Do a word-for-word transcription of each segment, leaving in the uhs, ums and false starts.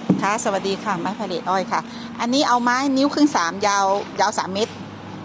ค่ะสวัสดีค่ะไม้พาเลทอ้อยค่ะอันนี้เอาไม้นิ้วครึ่งสามยาวยาวสามเมตร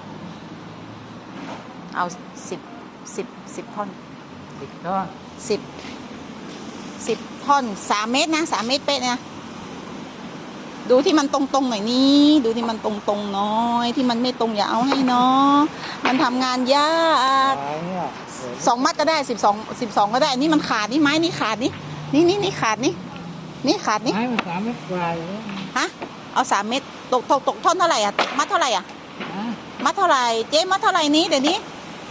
เอาสิบสิบสิบท่อนสิบท่อนสิบสิบท่อนสามเมตรนะสามเมตรเป๊ะนะดูที่มันตรงๆหน่อยนี้ดูที่มันตรงๆน้อยที่มันไม่ตรงอย่าเอาให้เนาะมันทำงานยากสองมัดก็ได้สิบสองสิบสองก็ได้อันนี้มันขาดนี่ไม้นี่ขาดนี่นี่นี่นี่ขาดนี่นี่ขาดนี่ไม้มันสามเมตรกว่าเลยฮะเอาสามเมตรตกตกตกท่อนเท่าไหร่อ่ะตกมัดเท่าไหร่อ่ะมัดเท่าไหร่เจ๊มัดเท่าไหร่นี้เดี๋ยวนี้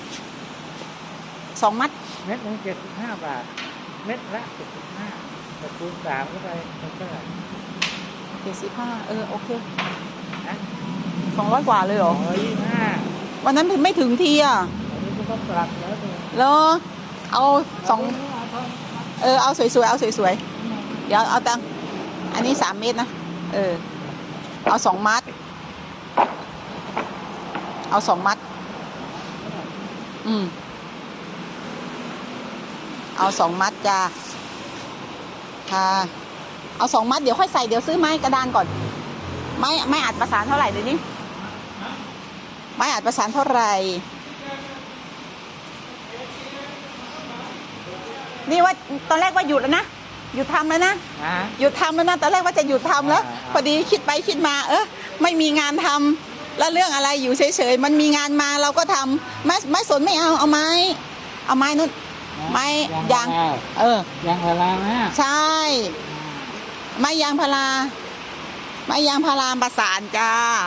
สองมัดเม็ดหนึ่งเจ็ดสิบห้าบาทเม็ดละเจ็ดสิบห้าแต่คูณสามก็ไปเป็นเท่าไหร่เจ็ดสิบห้าเออโอเคสองร้อยกว่าเลยเหรอสองร้อยยี่สิบห้าวันนั้นไม่ถึงทีอ่ะวันนี้ก็ต้องปรับแล้วเลยแล้วเอาสองเออเอาสวยๆเอาสวยๆเดี๋ยวเอาตังอันนี้สามเมตรนะเออเอาสองมัดเอาสองมัดอืมเอาสองมัดจ้าค่ะเอาสองมัดเดี๋ยวค่อยใส่เดี๋ยวซื้อไม้กระดานก่อนไม้ไม้อัดประสานเท่าไหร่เดี๋ยวนี้ไม้อัดประสานเท่าไหร่นี่ว่าตอนแรกว่าหยุดแล้วนะหยุดทำแล้วนะหยุดทำแล้วนะตอนแรกว่าจะหยุดทำแล้วพอดีคิดไปคิดมาเออไม่มีงานทำแล้วเรื่องอะไรอยู่เฉยๆมันมีงานมาเราก็ทำไม่ไม่สนไม่เอาเอาไม้เอาไม้นู้นไม้ยางเออยางพาราใช่ไม้ยางพาราไม้ยางพาราประสานจ้า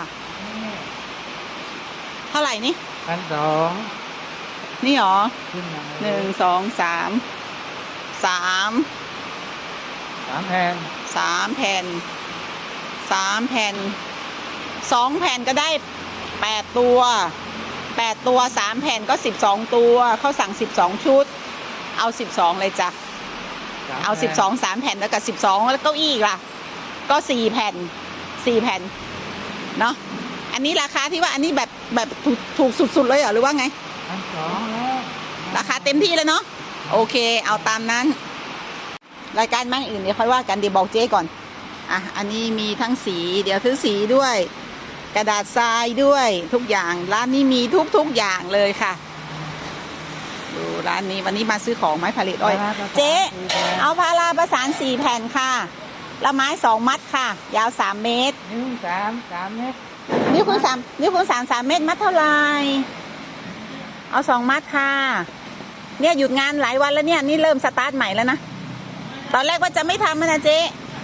เท่าไหร่นี่พันสองนี่หรอหนึ่งสองสามสามสามแผ่นสามแผ่นสามแผ่นสองแผ่นก็ได้แปดตัวแปดตัวสามแผ่นก็สิบสองตัวเขาสั่งสิบสองชุดเอาสิบสองเลยจ้ะเอาสิบสองสามแผ่นแล้วกับสิบสองแล้วเก้าอี้ล่ะก็สี่แผ่นสี่แผ่นเนาะอันนี้ราคาที่ว่าอันนี้แบบแบบถูกถูกสุดๆเลยเหรอหรือว่าไงพันสองแล้วราคาเต็มที่แล้วเนาะโอเคเอาตามนั้นรายการมั่งอื่นเดี๋ยวค่อยว่ากันเดี๋ยวบอกเจ๊ก่อนอ่ะอันนี้มีทั้งสีเดี๋ยวซื้อสีด้วยกระดาษทรายด้วยทุกอย่างร้านนี้มีทุกทุกอย่างเลยค่ะดูร้านนี้วันนี้มาซื้อของไม้ผลิตอ้อยเจ๊เอาพาราประสานสี่แผ่นค่ะละไม้สองมัดค่ะยาวสามเมตรนิ้วสามสามเมตรนิ้วคูณสามนิ้วคูณสามสามเมตรมัดเท่าไหร่เอาสองมัดค่ะเนี่ยหยุดงานหลายวันแล้วเนี่ยนี่เริ่มสตาร์ทใหม่แล้วนะตอนแรกว่าจะไม่ทำนะเจ๊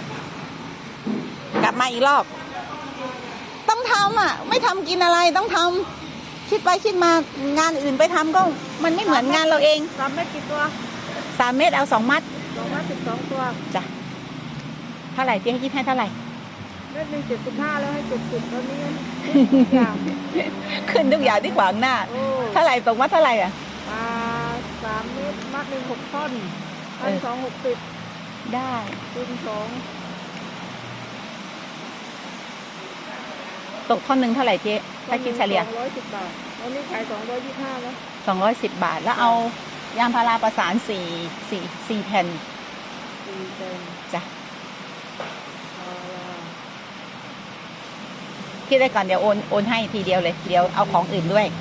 กลับมาอีกรอบต้องทำอ่ะไม่ทำกินอะไรต้องทำคิดไปคิดมางานอื่นไปทำก็มันไม่เหมือนงานเราเองสามเมตรกี่ตัวสามเมตรเอาสองมัดสองมัดสิบสองตัวจ้ะเท่าไหร่เจ๊คิดให้เท่าไหร่เมตรหนึ่งเจ็ดสิบห้าแล้วให้เจ็ดสิบตอนนี้ขึ้นทุกอย่างที่ขวางหน้าเท่าไหร่ตกมัดเท่าไหร่อ่ะอ่าสามเมตรมัดหนึ่งหกท่อนพันสองหกสิบได้คูณสองตกท่อนหนึ่งเท่าไหร่เจ๊ถ้าคิดเฉลี่ยสองร้อยสิบบาทวันนี้ขายสองร้อยยี่สิบห้าแล้วสองร้อยสิบบาทแล้วเอายางพาราประสานสี่สี่สี่แผ่นสี่แผ่นจ้ะคิดได้ก่อนเดี๋ยวโอนโอนให้ทีเดียวเลยเดี๋ยวเอาของอื่นด้วย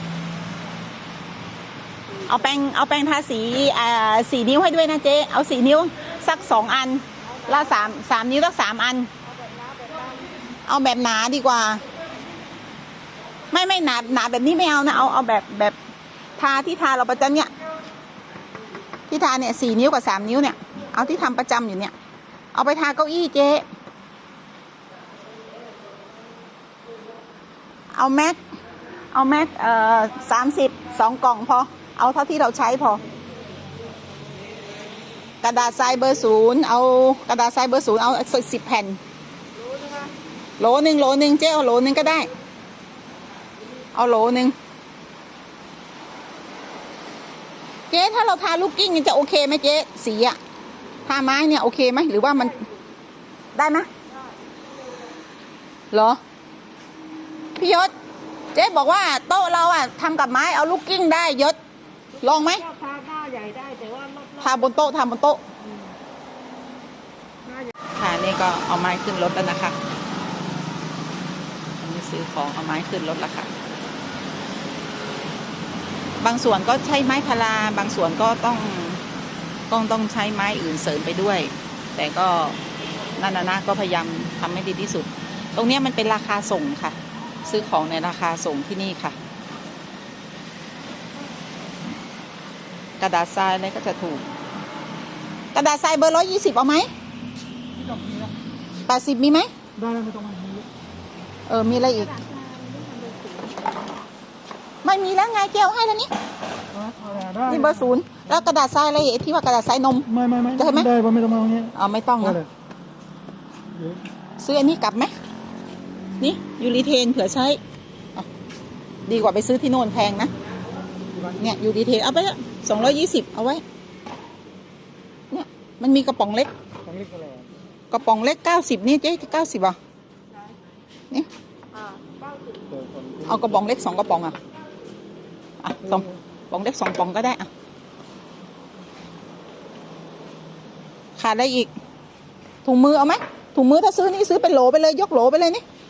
เอาแป้งเอาแป้งทาสีอ่าสี่นิ้วให้ด้วยนะเจ๊เอาสี่นิ้วสักสองอันละสามสามนิ้วสักสามอันเอาแบบหนาดีกว่าไม่ไม่หนาหนาแบบนี้ไม่เอานะเอาเอาแบบแบบทาที่ทาเราประจำเนี่ยที่ทาเนี่ยสี่นิ้วกับสามนิ้วเนี่ยเอาที่ทำประจำอยู่เนี่ยเอาไปทาเก้าอี้เจ๊เอาแม็กเอาแม็กเอ่อสามสิบสองกล่องพอเอาเท่าที่เราใช้พอกระดาษทรายเบอร์ศูนย์เอากระดาษทรายเบอร์ศูนย์เอาสิบแผ่นโหลหนึ่งโหลหนึ่งเจ๊เอาโหลหนึ่งก็ได้เอาโหลหนึ่งเจ๊ถ้าเราทาลูกกิ้งจะโอเคไหมเจ๊สีอะทาไม้เนี่ยโอเคไหมหรือว่ามันได้ไหมเหรอพี่ยศเจ๊บอกว่าโต๊ะเราอะทำกับไม้เอาลูกกิ้งได้ยศลองไหมทาหน้าใหญ่ได้แต่ว่าทาบนโต๊ะทำบนโต๊ะค่ะนี้ก็เอาไม้ขึ้นรถแล้วนะคะอันนี้ซื้อของเอาไม้ขึ้นรถแล้วค่ะบางส่วนก็ใช้ไม้พาราบางส่วนก็ต้องต้องต้องใช้ไม้อื่นเสริมไปด้วย แต่ก็นั่นนะก็พยายามทำให้ดีที่สุดตรงนี้มันเป็นราคาส่งค่ะซื้อของในราคาส่งที่นี่ค่ะกระดาษทรายอะไรก็จะถูกกระดาษทรายเบอร์ร้อยยี่สิบเอาไหมที่ดอกนี้นะแปดสิบมีไหมได้แล้วไม่ต้องมานี้เออมีอะไรอีกไม่มีแล้วไงแก้วให้แล้วนี่ได้นี่เบอร์ศูนย์แล้วกระดาษทรายอะไรไอ้ที่ว่ากระดาษทรายนมไม่ไม่ไม่ได้ไหมได้ป่ะไม่ต้องมาตรงนี้เอาไม่ต้องได้นะเลยเดี๋ยวซื้ออันนี้กลับไหมนี่ยูริเทนเผื่อใช้อ่ะดีกว่าไปซื้อที่โน่นแพงนะเนี่ยยูริเทนเอาไปสองร้อยยี่สิบเอาไว้เนี่ยมันมีกระป๋องเล็กต้องเรียกอะไรกระป๋องเล็กเก้าสิบนี่เจ๊เก้าสิบอ่ะนี่อ่าเก้าสิบเอากระป๋องเล็กสองกระป๋องอ่ะอ่ะสองกระป๋องเล็กสองกระป๋องก็ได้อ่ะขาดอะไรอีกถุงมือเอาไหมถุงมือถ้าซื้อนี่ซื้อเป็นโหลไปเลยยกโหลไปเลยนี่